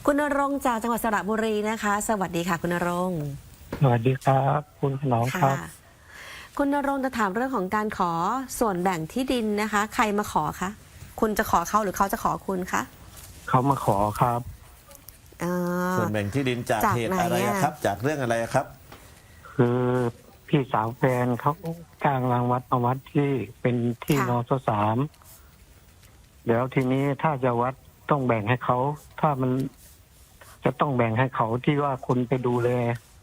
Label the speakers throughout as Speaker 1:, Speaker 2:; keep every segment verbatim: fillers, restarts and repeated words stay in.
Speaker 1: คุณณรงค์จากจังหวัดสระบุรีนะคะ สวัสดีค่ะคุณณรงค์
Speaker 2: สวัสดีครับคุณถนอมครับ
Speaker 1: คุณณรงค์จะถามเรื่องของการขอส่วนแบ่งที่ดินนะคะ ใครมาขอคะคุณจะขอเขาหรือเขาจะขอคุณคะ
Speaker 2: เขามาขอครับ
Speaker 3: ส่วนแบ่งที่ดินจากเหตุอะไรครับ จากเรื่องอะไรครับ
Speaker 2: คือพี่สาวแฟนเขาจ้างรางวัดมาวัดที่เป็นที่นสสามเดี๋ยวทีนี้ถ้าจะวัดต้องแบ่งให้เขาถ้ามันจะต้องแบ่งให้เขาที่ว่าคุณไปดูแล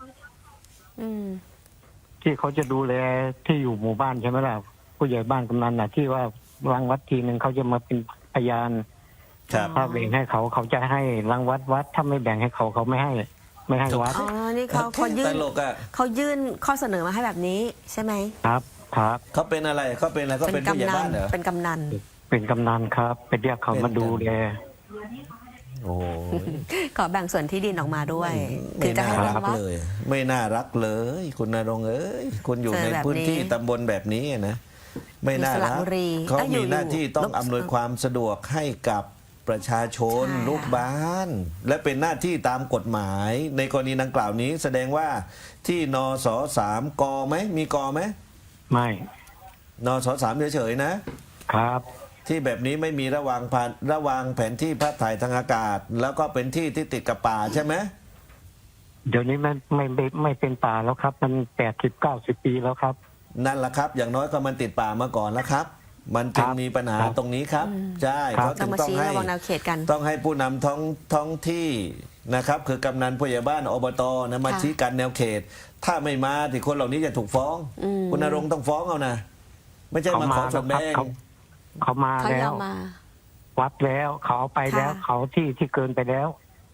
Speaker 2: ที่เขาจะดูแลที่อยู่หมู่บ้านใช่ไหมล่ะผู้ใหญ่บ้านกำนันน่ะ ที่ว่ารางวัดทีหนึ่งเขาจะมาเป็นพยานถ้าแบ่งให้เขาเขาจะให้รางวัดวัดถ้าไม่แบ่งให้เขาเขาไม่ให้ ไม่ให้วัด
Speaker 1: อ๋อนี่เขาเขายื่นเขายื่นข้อเสนอมาให้แบบนี้ใช่ไหม
Speaker 2: ครับครับ
Speaker 3: เขาเป็นอะไรเขาเป็นอะไรเขาเป็นผู้ใหญ่บ้านเหรอ
Speaker 1: เป็นกำนัน
Speaker 2: เป็นกำนันครับไปเรียกเขามาดูแล
Speaker 3: โอ้
Speaker 1: ขอแบ่งส่วนที่ดินออกมาด้วย
Speaker 3: ถึงจะให้รักเลย ไม่น่ารักเลยคุณณรงค์เอ้ยคุณอยู่ในพื้นที่ตำบลแบบนี้นะไม่น่ารักเขามีหน้าที่ต้องอำนวยความสะดวกให้กับประชาชนลูกบ้านและเป็นหน้าที่ตามกฎหมายในกรณีดังกล่าวนี้แสดงว่าที่นสสามกไหมมีกไหม
Speaker 2: ไม่
Speaker 3: นสสามเฉยๆนะครับที่แบบนี้ไม่มีระวางผ่านระวางแผนที่ภาพถ่ายทางอากาศแล้วก็เป็นที่ที่ติดกับป่าใช่ไหม
Speaker 2: เดี๋ยวนี้มันไม่ไม่ไม่เป็นป่าแล้วครับมันแปดสิบเก้าสิบปีแล้วครับ
Speaker 3: นั่นแหละครับอย่างน้อยก็มันติดป่ามาก่อนแล้วครับมันจึงมีปัญหาตรงนี้ครับใช่เขาจึงต้องให้ต้องให้ผู้นำท้องท้องที่นะครับคือกำนันผู้ใหญ่บ้านอบตนะมาชี้กันแนวเขตถ้าไม่มาที่คนเหล่านี้จะถูกฟ้องคุณณรงค์ต้องฟ้องเอานะไม่ใช่มาขอส่วนแบ่ง
Speaker 2: เขามาแล้ววัดแล้วเขาไปแล้วเขาที่ที่เกินไปแล้ว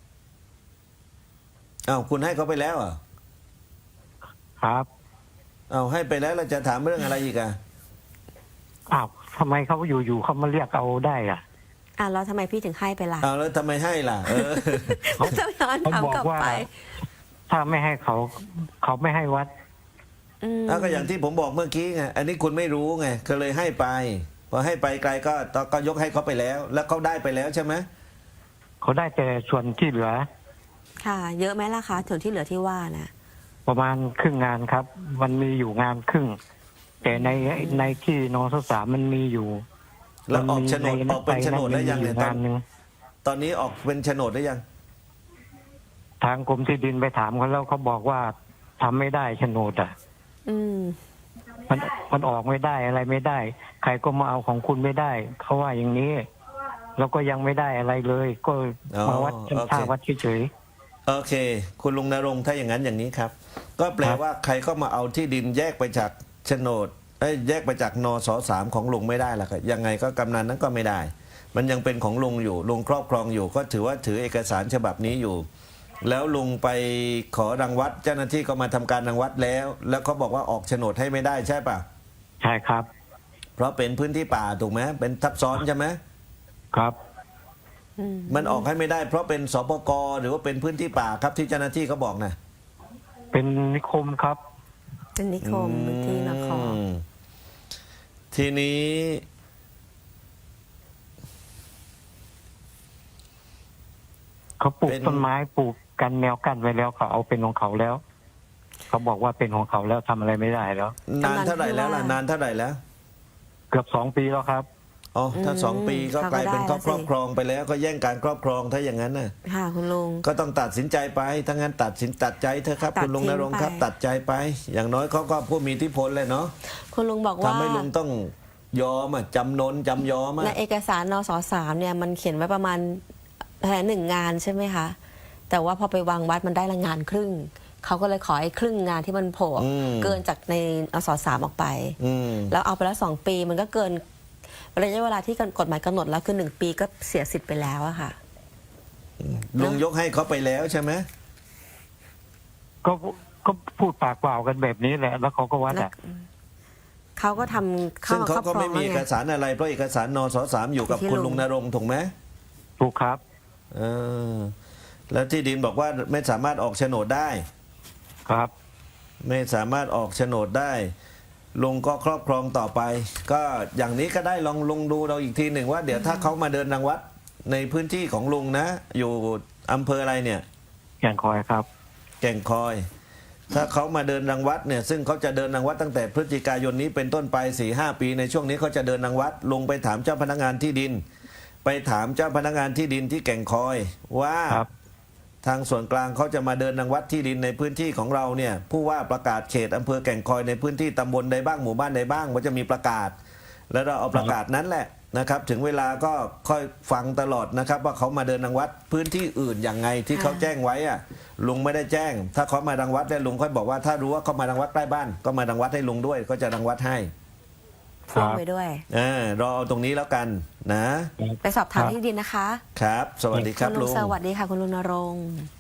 Speaker 3: อ้าวคุณให้เขาไปแล้วอ่ะ
Speaker 2: ครับ
Speaker 3: อ้าวให้ไปแล้วเราจะถามเรื่องอะไรอีกอ่ะ
Speaker 2: อ้าวทำไมเขาอยู่ๆเขามาเรียกเอาได้อ่ะ
Speaker 1: อ่าแล้วทำไมพี่ถึงให้ไปล่ะ
Speaker 3: อ้าวแล้วทำไมให้ล่ะเออ
Speaker 1: เขาจะย้อนถามกลับไป
Speaker 2: ถ้าไม่ให้เขาเขาไม่ให้วัด
Speaker 3: อ้าวก็อย่างที่ผมบอกเมื่อกี้ไงอันนี้คุณไม่รู้ไงก็เลยให้ไปพอให้ไปไกลก็ก็ยกให้เขาไปแล้ว แล้วเขาได้ไปแล้วใช่ไหม
Speaker 2: เขาได้แต่ส่วนที่เหลือ
Speaker 1: ค่ะเยอะไหมล่ะคะส่วนที่เหลือที่ว่านะ
Speaker 2: ประมาณครึ่งงานครับมันมีอยู่งานครึ่งแต่ในในที่นสสามมันมีอยู่
Speaker 3: แล้วออกโฉนดออกเป็นโฉนดได้ยังเนี่ยตอนตอนนี้ออกเป็นโฉนดได้ยัง
Speaker 2: ทางกรมที่ดินไปถามเขาแล้วเขาบอกว่าทำไม่ได้โฉนดอ่ะ
Speaker 1: อืม
Speaker 2: มันมันออกไม่ได้อะไรไม่ได้ใครก็มาเอาของคุณไม่ได้เขาว่าอย่างนี้แล้วก็ยังไม่ได้อะไรเลยก็มาวัดท่าวัดเฉย
Speaker 3: ๆโอเคคุณลุงณรงค์ถ้าอย่างนั้นอย่างนี้ครับก็แปลว่าใครก็มาเอาที่ดินแยกไปจากโฉนดแยกไปจากนสสามของลุงไม่ได้ล่ะครับยังไงก็กำนันนั้นก็ไม่ได้มันยังเป็นของลุงอยู่ลุงครอบครองอยู่ก็ถือว่าถือเอกสารฉบับนี้อยู่แล้วลุงไปขอรังวัดเจ้าหน้าที่ก็มาทำการรังวัดแล้วแล้วเขาบอกว่าออกโฉนดให้ไม่ได้ใช่ป่ะ
Speaker 2: ใช่ครับ
Speaker 3: เพราะเป็นพื้นที่ป่าถูกไหมเป็นทับซ้อนใช่ไหม
Speaker 2: ครับ
Speaker 3: มันออกให้ไม่ได้เพราะเป็นสปกหรือว่าเป็นพื้นที่ป่าครับที่เจ้าหน้าที่เขาบอกนะ
Speaker 2: เป็นนิคมครับ
Speaker 1: เป็นนิคมที่นคร
Speaker 3: ทีนี้
Speaker 2: เขาปลูกต้นไม้ปลูกกันแนวกั้นไว้แล้วเขาเอาเป็นของเขาแล้วเขาบอกว่าเป็นของเขาแล้วทำอะไรไม่ได้แล้ว
Speaker 3: นานเท่าไหร่แล้วล่ะนานเท่าไหร่แล้ว
Speaker 2: เกือบสองปีแล้วครับ
Speaker 3: อ๋อถ้าสองปีก็กลายเป็นครอบครองไปแล้วก็แย่งการครอบครองถ้าอย่างนั้นน่ะ
Speaker 1: ค่ะคุณลุง
Speaker 3: ก็ต้องตัดสินใจไปถ้างั้นตัดสินตัดใจเถอะครับคุณลุงณรงค์ครับตัดใจไปอย่างน้อยเขาก็ผู้มีอิทธิพลเลยเนาะ
Speaker 1: คุณลุงบอกว่า
Speaker 3: ทำให้ลุงต้องยอมอ่ะจำนนจำยอมอ่ะ
Speaker 1: ในเอกสารนสสามเนี่ยมันเขียนไว้ประมาณแผนหนึ่งงานใช่ไหมคะแต่ว่าพอไปวางวัดมันได้ละงานครึ่งเขาก็เลยขอไอ้ครึ่งงานที่มันโผล่เกินจากในนสสามออกไปแล้วเอาไปแล้วสองปีมันก็เกินระยะเวลาที่กฎหมายกำหนดแล้วคือหนึ่งปีก็เสียสิทธิ์ไปแล้วอะค่ะ
Speaker 3: ลุงยกให้เขาไปแล้วใช่ไหม
Speaker 2: ก็ก็พูดปากเปล่ากันแบบนี้แหละแล้วเขาก็วัดอ่ะ
Speaker 1: เขาก็ทำ
Speaker 3: ซึ่งเขาก็ไม่มีเอกสารอะไรเพราะเอกสารนสสามอยู่กับคุณลุงณรงค์ถูกไหม
Speaker 2: ถูกครับ
Speaker 3: เออแล้วที่ดินบอกว่าไม่สามารถออกโฉนดได้
Speaker 2: ครับ
Speaker 3: ไม่สามารถออกโฉนดได้ลุงก็ครอบครองต่อไปก็อย่างนี้ก็ได้ลองลุงดูเราอีกทีหนึ่งว่าเดี๋ยวถ้าเขามาเดินรังวัดในพื้นที่ของลุงนะอยู่อำเภออะไรเนี่ย
Speaker 2: แก่งคอยครับ
Speaker 3: แก่งคอย ถ้าเขามาเดินรังวัดเนี่ยซึ่งเขาจะเดินรังวัดตั้งแต่พฤศจิกายนนี้เป็นต้นไปสี่ห้าปีในช่วงนี้เขาจะเดินรังวัดลงไปถามเจ้าพนักงานที่ดิน ไปถามเจ้าพนักงานที่ดินที่แก่งคอยว่า
Speaker 2: ครับ
Speaker 3: ทางส่วนกลางเขาจะมาเดินรังวัดที่ดินในพื้นที่ของเราเนี่ยผู้ว่าประกาศเขตอำเภอแก่งคอยในพื้นที่ตำบลใดบ้างหมู่บ้านใดบ้างว่าจะมีประกาศ แล้วเราเอาประกาศนั้นแหละนะครับ ถึงเวลาก็ค่อยฟังตลอดนะครับ ว่าเขามาเดินรังวัดพื้นที่อื่นอย่างไงที่เขาแจ้งไว้อะลุงไม่ได้แจ้ง ถ้าเขามารังวัดแล้วลุงค่อยบอกว่าถ้ารู้ว่าเขามารังวัดใกล้บ้าน ก็มารังวัดให้ลุงด้วยก็จะรังวัดให้
Speaker 1: พ่วงไปด้วย
Speaker 3: เออรอเอาตรงนี้แล้วกันนะ
Speaker 1: ไปสอบถามที่ดินนะคะ
Speaker 3: ครับ สวัสดีครับ
Speaker 1: คุณลุ
Speaker 3: ลุ
Speaker 1: ง
Speaker 3: ง
Speaker 1: สวัสดีค่ะคุณลุงนรงค์